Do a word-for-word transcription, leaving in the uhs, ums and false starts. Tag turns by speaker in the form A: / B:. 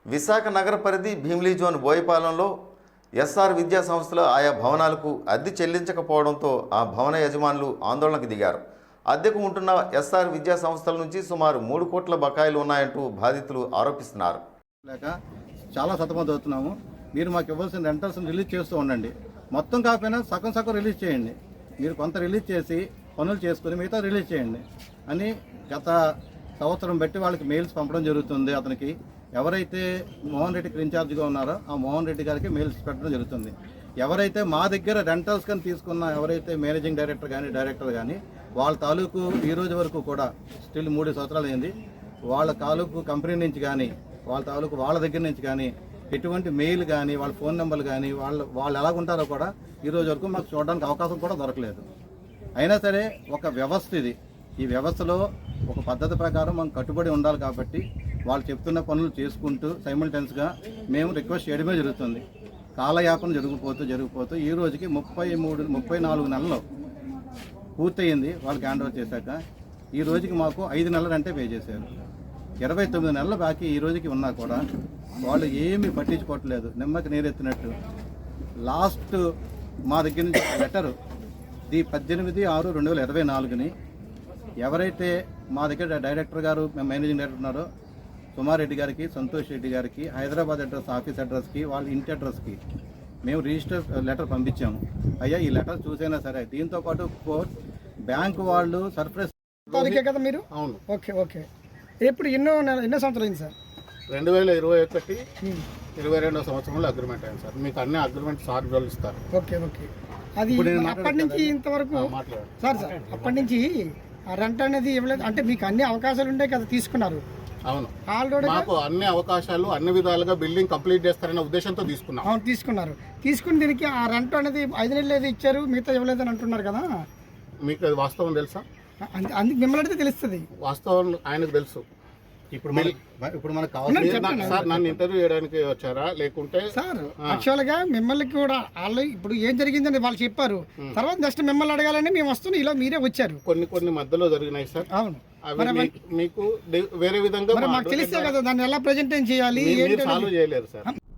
A: విశాఖ నగర పరిధి Bheemili zone బోయపాలెంలో SR విద్యా సంస్థలో ఆయా భవనాలకు అద్దె చెల్లించకపోవడంతో ఆ భవన యజమానులు ఆందోళనకు దిగారు. అద్దెకు ఉంటున్న ఎస్ఆర్ విద్యా సంస్థల నుంచి సుమారు మూడు కోట్ల బకాయిలు ఉన్నాయంటూ బాధితులు ఆరోపిస్తున్నారు.
B: లేక చాలా సతమతం అవుతున్నాము. మీరు మాకు ఇవ్వాల్సిన రెంటల్స్ రిలీజ్ చేస్తూ ఉండండి. మొత్తం కాకపోయినా సగం సగం రిలీజ్ చేయండి. మీరు కొంత రిలీజ్ చేసి పనులు చేసుకుని మిగతా రిలీజ్ చేయండి అని గత సంవత్సరం బట్టి వాళ్ళకి మెయిల్స్ పంపడం జరుగుతుంది. అతనికి ఎవరైతే మోహన్ రెడ్డికి ఇన్ఛార్జ్గా ఉన్నారో ఆ మోహన్ రెడ్డి గారికి మెయిల్స్ పెట్టడం జరుగుతుంది. ఎవరైతే మా దగ్గర రెంటల్స్ కానీ తీసుకున్న ఎవరైతే మేనేజింగ్ డైరెక్టర్ కానీ డైరెక్టర్ కానీ వాళ్ళ తాలూకు ఈ రోజు వరకు కూడా స్టిల్ మూడు సంవత్సరాలు అయింది. వాళ్ళ తాలూకు కంపెనీ నుంచి కానీ వాళ్ళ తాలూకు వాళ్ళ దగ్గర నుంచి కానీ ఎటువంటి మెయిల్ కానీ వాళ్ళ ఫోన్ నెంబర్లు కానీ వాళ్ళు వాళ్ళు ఎలాగుంటారో కూడా ఈ రోజు వరకు మాకు చూడడానికి అవకాశం కూడా దొరకలేదు. అయినా సరే ఒక వ్యవస్థ ఇది. ఈ వ్యవస్థలో ఒక పద్ధతి ప్రకారం మనం కట్టుబడి ఉండాలి కాబట్టి వాళ్ళు చెప్తున్న పనులు చేసుకుంటూ సైమల్టెన్స్గా మేము రిక్వెస్ట్ చేయడమే జరుగుతుంది. కాలయాపన జరిగిపోతూ జరిగిపోతూ ఈ రోజుకి ముప్పై మూడు ముప్పై నాలుగు నెలలు పూర్తయింది. వాళ్ళకి హ్యాండ్ ఓవర్ చేశాక ఈ రోజుకి మాకు ఐదు నెలలు అంటే పే చేశారు. ఇరవై తొమ్మిది నెలల బాకీ ఈ రోజుకి ఉన్నా కూడా వాళ్ళు ఏమీ పట్టించుకోవట్లేదు. నిమ్మకి నీరెత్తినట్టు. లాస్ట్ మా దగ్గర నుంచి లెటరు ది పద్దెనిమిది ఆరు రెండు వేల ఇరవై నాలుగుని ఎవరైతే మా దగ్గర డైరెక్టర్ గారు మేనేజింగ్ డైరెక్టర్ ఉన్నారో సుమారెడ్డి గారికి సంతోష్ రెడ్డి గారికి హైదరాబాద్ అడ్రస్ ఆఫీస్ అడ్రస్కి వాళ్ళ ఇంటి అడ్రస్కి మేము రిజిస్టర్ లెటర్ పంపించాము. అయ్యా ఈ లెటర్ చూసైనా సరే దీంతో పాటు కోర్ట్ బ్యాంకు వాళ్ళు సర్ప్రైజ్
C: కదా మీరు.
B: అవును
C: ఓకే ఓకే ఎప్పుడు ఎన్నో ఎన్నో సంవత్సరాలు అయింది సార్?
B: రెండు వేల ఇరవై ఒకటి ఇరవై రెండో సంవత్సరంలో అగ్రిమెంట్ అయింది సార్. మీకు అన్ని అగ్రిమెంట్ సార్ వాళ్ళు ఇస్తారు.
C: ఓకే ఓకే అది అప్పటి నుంచి ఇంతవరకు సార్ సార్ అప్పటి నుంచి ఆ రెంట్ అనేది ఇవ్వలేదు అంటే మీకు అన్ని అవకాశాలు ఉండే కదా తీసుకున్నారు.
B: అవును
C: ఆల్రెడీ
B: మాకు అన్ని అవకాశాలు అన్ని విధాలుగా బిల్డింగ్ కంప్లీట్ చేస్తారనే ఉద్దేశంతో తీసుకున్నాం.
C: అవును తీసుకున్నారు. తీసుకుని దీనికి ఆ రెంట్ అనేది ఐదు నెలలు ఏది ఇచ్చారు మిగతా ఇవ్వలేదని అంటున్నారు కదా.
B: మీకు అది వాస్తవం తెలుసా?
C: అందుకు మిమ్మల్ని అడిగితే తెలుస్తుంది.
B: వాస్తవం ఆయనకు తెలుసు. ఇప్పుడు ఇప్పుడు మనకు కావాలి సార్. నన్ను ఇంటర్వ్యూ చేయడానికి వచ్చారా లేకుంటే
C: సార్ యాక్చువల్ గా మిమ్మల్ని కూడా వాళ్ళు ఇప్పుడు ఏం జరిగిందని వాళ్ళు చెప్పారు. తర్వాత నెక్స్ట్ మిమ్మల్ని అడగాలని మేము వస్తున్నాం. ఇలా మీరే వచ్చారు.
B: కొన్ని కొన్ని మధ్యలో జరిగినాయి సార్.
C: అవును
B: మీకు వేరే విధంగా
C: మాకు తెలిస్తే కదా దాన్ని ఎలా ప్రెజెంటేషన్ చేయాలి
B: సాల్వ్ చేయలేరు సార్.